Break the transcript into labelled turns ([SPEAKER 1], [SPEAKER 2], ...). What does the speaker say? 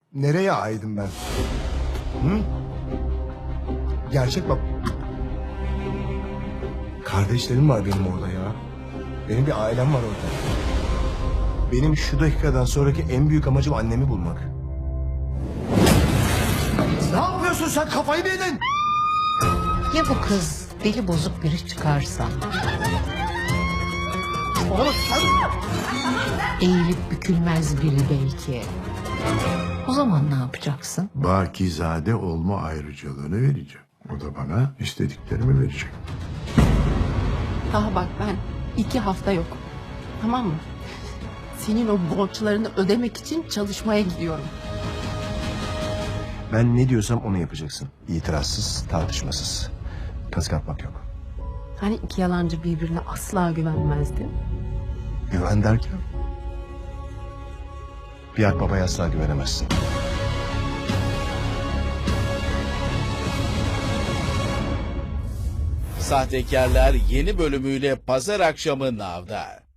[SPEAKER 1] Nereye aidim ben? Hı? Gerçek bak. Kardeşlerim var benim orada ya. Benim bir ailem var orada. Benim şu dakikadan sonraki en büyük amacım annemi bulmak. Ne yapıyorsun sen, kafayı mı yedin?
[SPEAKER 2] Ya bu kız deli bozuk biri çıkarsa?
[SPEAKER 1] Oğlum sen...
[SPEAKER 2] Eğilip bükülmez biri belki. O zaman ne yapacaksın?
[SPEAKER 3] Bakizade olma ayrıcalığını vereceğim. O da bana istediklerimi verecek.
[SPEAKER 4] Daha bak ben 2 hafta yok. Tamam mı? Senin o borçlarını ödemek için çalışmaya gidiyorum.
[SPEAKER 1] Ben ne diyorsam onu yapacaksın. İtirazsız, tartışmasız. Kazık atmak yok.
[SPEAKER 4] Hani iki yalancı birbirine asla güvenmezdi.
[SPEAKER 1] Güven derken? Bir babaya asla güvenemezsin.
[SPEAKER 5] Sahtekarlar yeni bölümüyle pazar akşamı Nav'da.